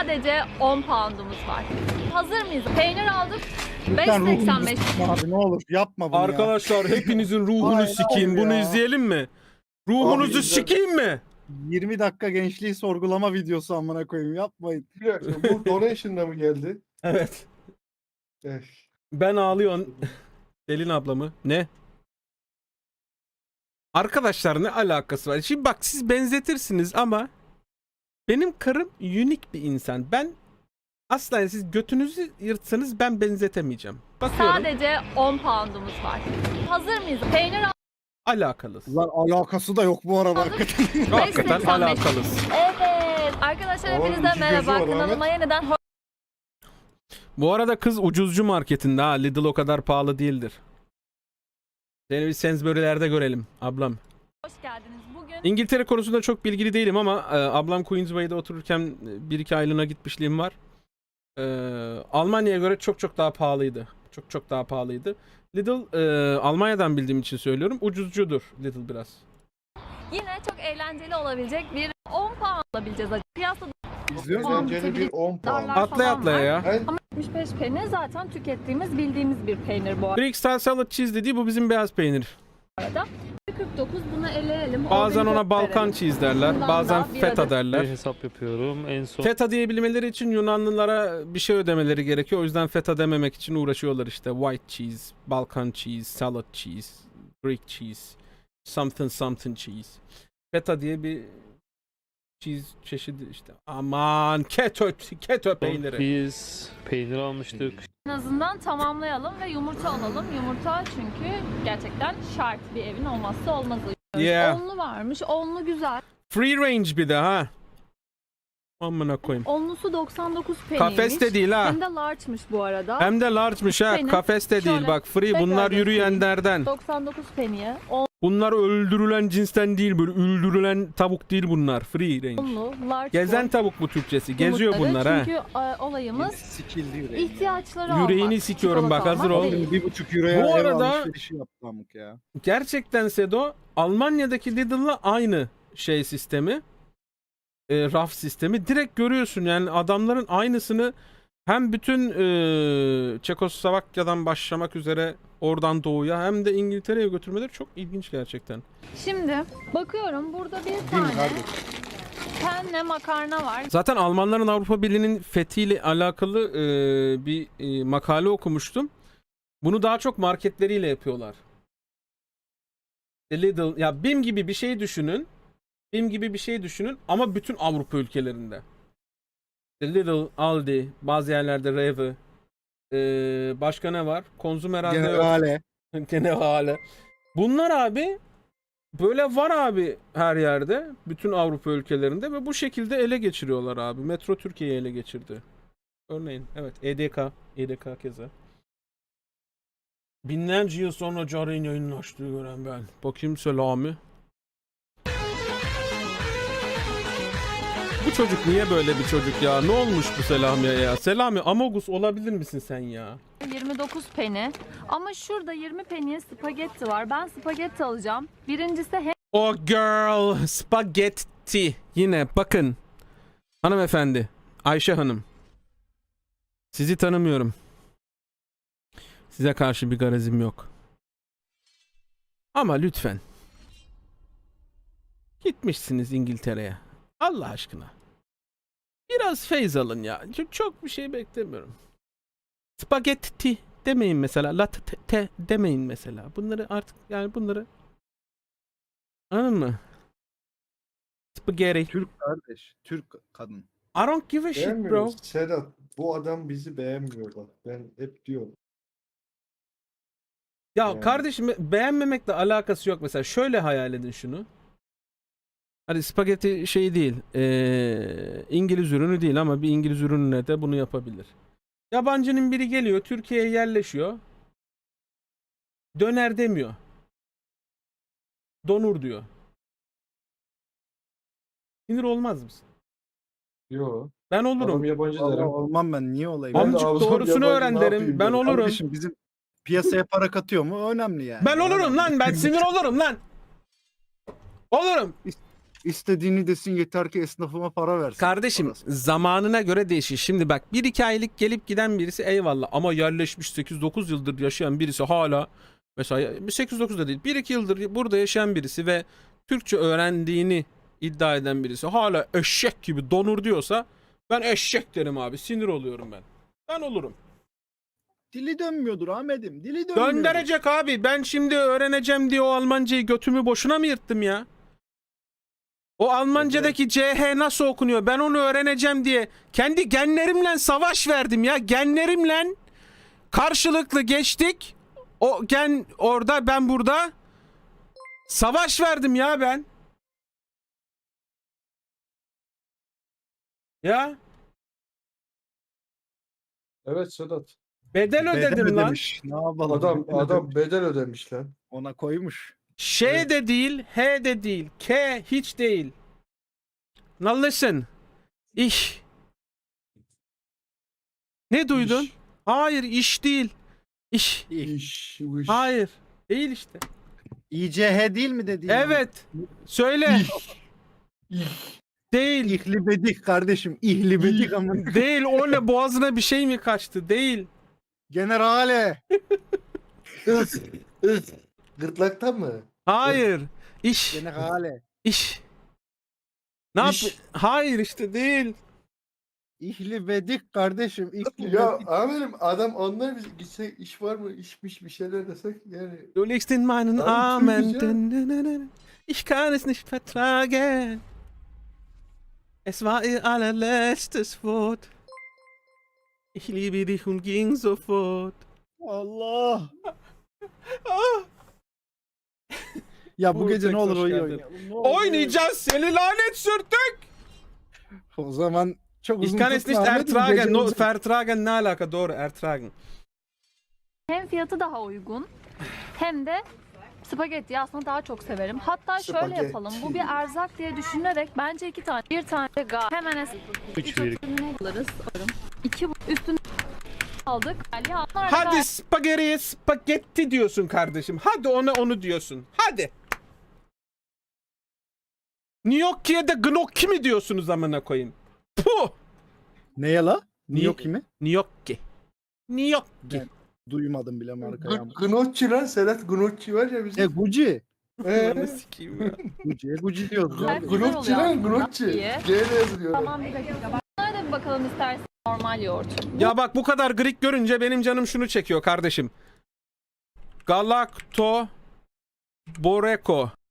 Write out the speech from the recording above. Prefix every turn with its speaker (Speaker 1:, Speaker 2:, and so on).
Speaker 1: Sadece 10 pound'umuz var. Hazır mıyız? Peynir aldık.
Speaker 2: Lütfen ruhumuzu
Speaker 1: 5.85.
Speaker 2: sıkma abi, ne olur yapma bunu ya.
Speaker 3: Arkadaşlar hepinizin ruhunu
Speaker 2: Aynen
Speaker 3: sikeyim. Bunu
Speaker 2: ya.
Speaker 3: izleyelim mi? Ruhunuzu
Speaker 4: Abi,
Speaker 3: sikeyim mi?
Speaker 2: 20 dakika gençliği sorgulama videosu amına koyayım, yapmayın.
Speaker 4: Bir dakika, bu donation'da mı geldi?
Speaker 3: Evet.
Speaker 4: Eh,
Speaker 3: Ben ağlıyorum. Selin ablamı. Ne? Arkadaşlar ne alakası var? Şimdi bak siz benzetirsiniz ama benim karım unik bir insan. Ben asla siz götünüzü yırtsanız ben benzetemeyeceğim. Bakıyorum.
Speaker 1: Sadece 10 pound'umuz var. Hazır mıyız? Peynir
Speaker 3: Alakalı.
Speaker 2: Lan alakası da yok bu arada hakikaten.
Speaker 3: Hakikaten
Speaker 1: 5.85.
Speaker 3: alakalı.
Speaker 1: Evet. Arkadaşlar
Speaker 4: Ama
Speaker 1: hepinize
Speaker 4: iki
Speaker 1: merhaba.
Speaker 4: gözü var,
Speaker 1: Kanalıma yeniden
Speaker 3: Bu arada kız ucuzcu marketinde ha. Lidl o kadar pahalı değildir. Seni bir Sainsbury'lerde görelim ablam.
Speaker 1: hoş geldiniz. Bugün
Speaker 3: İngiltere konusunda çok bilgili değilim ama ablam Queensway'de otururken 1-2 aylığına gitmişliğim var. Almanya'ya göre çok daha pahalıydı. Çok daha pahalıydı. Lidl Almanya'dan bildiğim için söylüyorum. Ucuzcudur Lidl biraz.
Speaker 1: yine çok eğlenceli olabilecek bir 10 pound alabileceğiz. Piyasada
Speaker 2: İzliyor musun?
Speaker 1: Puan
Speaker 4: eğlenceli bir
Speaker 1: bitebilir.
Speaker 4: 10 puan.
Speaker 1: Darlar
Speaker 3: Atlaya
Speaker 1: falan
Speaker 3: atlaya
Speaker 1: var.
Speaker 3: ya.
Speaker 4: Ben
Speaker 1: 75 peni zaten tükettiğimiz, bildiğimiz bir peynir bu
Speaker 3: Greek style salad cheese dediği bu bizim beyaz peynir.
Speaker 1: arada. 49 bunu eleyelim.
Speaker 3: Bazen
Speaker 1: Organik
Speaker 3: ona Balkan
Speaker 1: verelim.
Speaker 3: cheese derler.
Speaker 1: Bundan
Speaker 3: Bazen
Speaker 1: da bir
Speaker 3: feta
Speaker 1: adet.
Speaker 3: derler.
Speaker 5: Bir hesap yapıyorum. En son
Speaker 3: Feta diyebilmeleri için Yunanlılara bir şey ödemeleri gerekiyor. O yüzden feta dememek için uğraşıyorlar işte. White cheese, Balkan cheese, salad cheese, Greek cheese, something cheese. Feta diye bir cheese çeşidi işte. Aman keto peyniri.
Speaker 5: biz peynir almıştık.
Speaker 1: En azından tamamlayalım ve yumurta alalım. Yumurta çünkü gerçekten şart, bir evin olmazsa olmazı.
Speaker 3: Yeah.
Speaker 1: Onlu varmış. Onlu güzel.
Speaker 3: Free range bir de ha. Amına koyayım.
Speaker 1: Onlusu 99 peniymiş.
Speaker 3: Kafes de değil ha.
Speaker 1: Hem de large'mış bu arada.
Speaker 3: Hem de large'mış ha.
Speaker 1: Benim
Speaker 3: Kafes de değil
Speaker 1: şöyle
Speaker 3: bak. Free
Speaker 1: tekrar
Speaker 3: bunlar
Speaker 1: göstereyim.
Speaker 3: yürüyenlerden.
Speaker 1: 99 peniye.
Speaker 3: Bunlar öldürülen cinsten değil, böyle öldürülen tavuk değil bunlar. Free range.
Speaker 1: Onlu, large
Speaker 3: Gezen
Speaker 1: boy
Speaker 3: tavuk bu Türkçesi. Geziyor
Speaker 1: yumurtları.
Speaker 3: bunlar ha.
Speaker 1: Çünkü olayımız
Speaker 2: Sikildi yüreğim.
Speaker 1: ihtiyaçları almak.
Speaker 3: Yüreğini sikiyorum bak,
Speaker 1: çikolata
Speaker 3: hazır
Speaker 1: almak
Speaker 3: ol.
Speaker 1: değil.
Speaker 2: 1,5 euroya
Speaker 3: Bu
Speaker 2: ev
Speaker 3: arada-
Speaker 2: alışverişi yaptı amık ya.
Speaker 3: Gerçekten Sedo, Almanya'daki Lidl'la aynı şey sistemi. Raf sistemi. Direkt görüyorsun yani adamların aynısını hem bütün Çekoslovakya'dan başlamak üzere oradan doğuya hem de İngiltere'ye götürmeleri çok ilginç gerçekten.
Speaker 1: Şimdi bakıyorum burada bir
Speaker 2: Değil mi
Speaker 1: tane
Speaker 2: kardeşim?
Speaker 1: penne makarna var.
Speaker 3: Zaten Almanların Avrupa Birliği'nin fethiyle alakalı bir makale okumuştum. Bunu daha çok marketleriyle yapıyorlar. Lidl, ya BİM gibi bir şey düşünün. BİM gibi bir şey düşünün ama bütün Avrupa ülkelerinde. Lidl, Aldi, bazı yerlerde Rewe, başka ne var? Konzum herhalde yok.
Speaker 2: Generale.
Speaker 3: Generale. Bunlar abi böyle var abi her yerde. Bütün Avrupa ülkelerinde ve bu şekilde ele geçiriyorlar abi. Metro Türkiye'yi ele geçirdi. Örneğin evet EDK keza. Binlerce yıl sonra Cahre'nin yayınını açtığı gören ben. Bakayım Selami. Bu çocuk niye böyle bir çocuk ya? Ne olmuş bu Selami'ye ya? Selami Amogus olabilir misin sen ya?
Speaker 1: 29 peni. Ama şurada 20 peniye spagetti var. Ben spagetti alacağım. Birincisi hem
Speaker 3: Oh girl, spaghetti. Yine bakın. Hanımefendi, Ayşe Hanım. Sizi tanımıyorum. Size karşı bir garazim yok. Ama lütfen. Gitmişsiniz İngiltere'ye. Allah aşkına. Biraz feyz alın ya. Çok bir şey beklemiyorum. Spagetti demeyin mesela. Latte demeyin mesela. Bunları artık yani bunları anladın mı? Spaghetti.
Speaker 2: Türk kardeş. Türk kadın.
Speaker 3: I don't give a shit bro.
Speaker 4: beğenmiyoruz. Sedat, bu adam bizi beğenmiyor bak. Ben hep diyorum.
Speaker 3: Ya
Speaker 4: Yani.
Speaker 3: kardeşim beğenmemekle alakası yok mesela. Şöyle hayal edin şunu. Hadi spagetti şey değil. İngiliz ürünü değil ama bir İngiliz ürününe de bunu yapabilir. Yabancının biri geliyor, Türkiye'ye yerleşiyor. Döner demiyor. Donur diyor. Sinir olmaz mısın?
Speaker 4: Yo.
Speaker 3: Ben
Speaker 4: Adam
Speaker 3: olurum.
Speaker 4: yabancı
Speaker 2: Vallahi
Speaker 4: derim.
Speaker 2: olmam ben. Niye olayım?
Speaker 4: Ben de
Speaker 3: Amcık
Speaker 4: alsam
Speaker 3: doğrusunu
Speaker 4: yabancı,
Speaker 3: öğren
Speaker 4: ne
Speaker 3: derim.
Speaker 4: yapayım
Speaker 3: Ben
Speaker 4: derim.
Speaker 3: olurum.
Speaker 2: Kardeşim bizim piyasaya para katıyor mu? Önemli yani.
Speaker 3: Ben olurum lan. Ben sinir olurum lan. Olurum.
Speaker 2: İstediğini desin yeter ki esnafıma para versin.
Speaker 3: Kardeşim
Speaker 2: Parası.
Speaker 3: zamanına göre değişir. Şimdi bak 1-2 aylık gelip giden birisi eyvallah ama yerleşmiş 8-9 yıldır yaşayan birisi hala mesela 8-9 da değil 1-2 yıldır burada yaşayan birisi ve Türkçe öğrendiğini iddia eden birisi hala eşek gibi donur diyorsa ben eşek derim abi, sinir oluyorum ben. Ben olurum.
Speaker 2: Dili dönmüyordur Ahmet'im. Dili dönmüyordur.
Speaker 3: Gönderecek abi, ben şimdi öğreneceğim diye o Almancayı götümü boşuna mı yırttım ya? O Almancadaki CH nasıl okunuyor? Ben onu öğreneceğim diye kendi genlerimle savaş verdim ya. Genlerimle karşılıklı geçtik. O gen orada, ben burada. Savaş verdim ya ben. Ya
Speaker 4: Evet Sedat.
Speaker 3: bedel ödedim lan.
Speaker 2: ödemiş. Ne yapalım?
Speaker 4: Adam bedel ödemiş lan.
Speaker 2: Ona koymuş.
Speaker 3: Ş de değil, H de değil, K hiç değil. Now listen. İş. Ne duydun?
Speaker 4: İş.
Speaker 3: Hayır, iş değil. İş.
Speaker 4: İş.
Speaker 3: Hayır. Değil işte.
Speaker 2: İCH değil mi dedi?
Speaker 3: Evet. Söyle. Değil.
Speaker 2: İhlibedik kardeşim. İhlibedik ama.
Speaker 3: Değil. O ne, boğazına bir şey mi kaçtı? Değil.
Speaker 2: Generale.
Speaker 4: Gırtlaktan mı?
Speaker 3: Hayır. İş.
Speaker 2: Generale.
Speaker 3: İş. Ne yap?
Speaker 4: İş.
Speaker 3: Hayır işte değil.
Speaker 2: İhlibedik kardeşim.
Speaker 4: Ya
Speaker 2: İhlibedik.
Speaker 4: amirim adam anlar biz gitsek iş var mı işmiş bir şeyler desek yani.
Speaker 3: Du liegst in meinen
Speaker 4: Abi,
Speaker 3: Armen.
Speaker 4: Türkçe.
Speaker 3: Ich kann es nicht vertragen. Es war ihr allerletztes Wort. Ich liebe dich und ging sofort.
Speaker 2: Allah.
Speaker 3: Ah.
Speaker 2: Ya bu
Speaker 3: Uğur,
Speaker 2: gece ne
Speaker 3: tek
Speaker 2: olur
Speaker 3: hoş
Speaker 2: oyun
Speaker 3: geldin.
Speaker 2: oynayalım. Ne olur.
Speaker 3: Oynayacağız, seni lanet sürtük.
Speaker 2: O zaman çok uzun
Speaker 3: Ich kann es nicht
Speaker 2: tutma Ahmet'im,
Speaker 3: ertragen.
Speaker 2: gece
Speaker 3: No,
Speaker 2: uzun.
Speaker 3: vertragen ne alaka? Doğru, ertragen.
Speaker 1: Hem fiyatı daha uygun hem de spagetti aslında daha çok severim. Hatta şöyle
Speaker 4: Spagetti.
Speaker 1: yapalım. Bu bir erzak diye düşünerek bence 2 tane. Bir tane de hemen
Speaker 5: Üç verik.
Speaker 1: alırız. 2 üstüne aldık. Ya, onlar da
Speaker 3: Hadi spagetti, spagetti diyorsun kardeşim. Hadi onu diyorsun. Hadi. Gnocchi'ye de gnocchi mi diyorsunuz amına koyayım? Puh.
Speaker 2: Ne ya la?
Speaker 3: Ni-
Speaker 2: Yok kimi?
Speaker 3: Gnocchi. Gnocchi.
Speaker 2: Ben- Duymadım bile markayı.
Speaker 4: Gnocchi lan Sedat Gnocchi var ya bizim.
Speaker 2: Gucci.
Speaker 3: Ananı sikeyim ya.
Speaker 2: Gucci diyoruz.
Speaker 1: Güzel
Speaker 2: abi.
Speaker 1: güzel
Speaker 4: Gnocchi
Speaker 1: oluyor
Speaker 4: lan
Speaker 1: aslında.
Speaker 4: Gnocchi.
Speaker 1: İyi.
Speaker 4: G ile yazılıyor.
Speaker 1: Tamam, bir dakika. Bunlara da bir bakalım istersen. Normal yoğurt.
Speaker 3: Ya bak, bu kadar Greek görünce benim canım şunu çekiyor kardeşim. Galakto Boreko.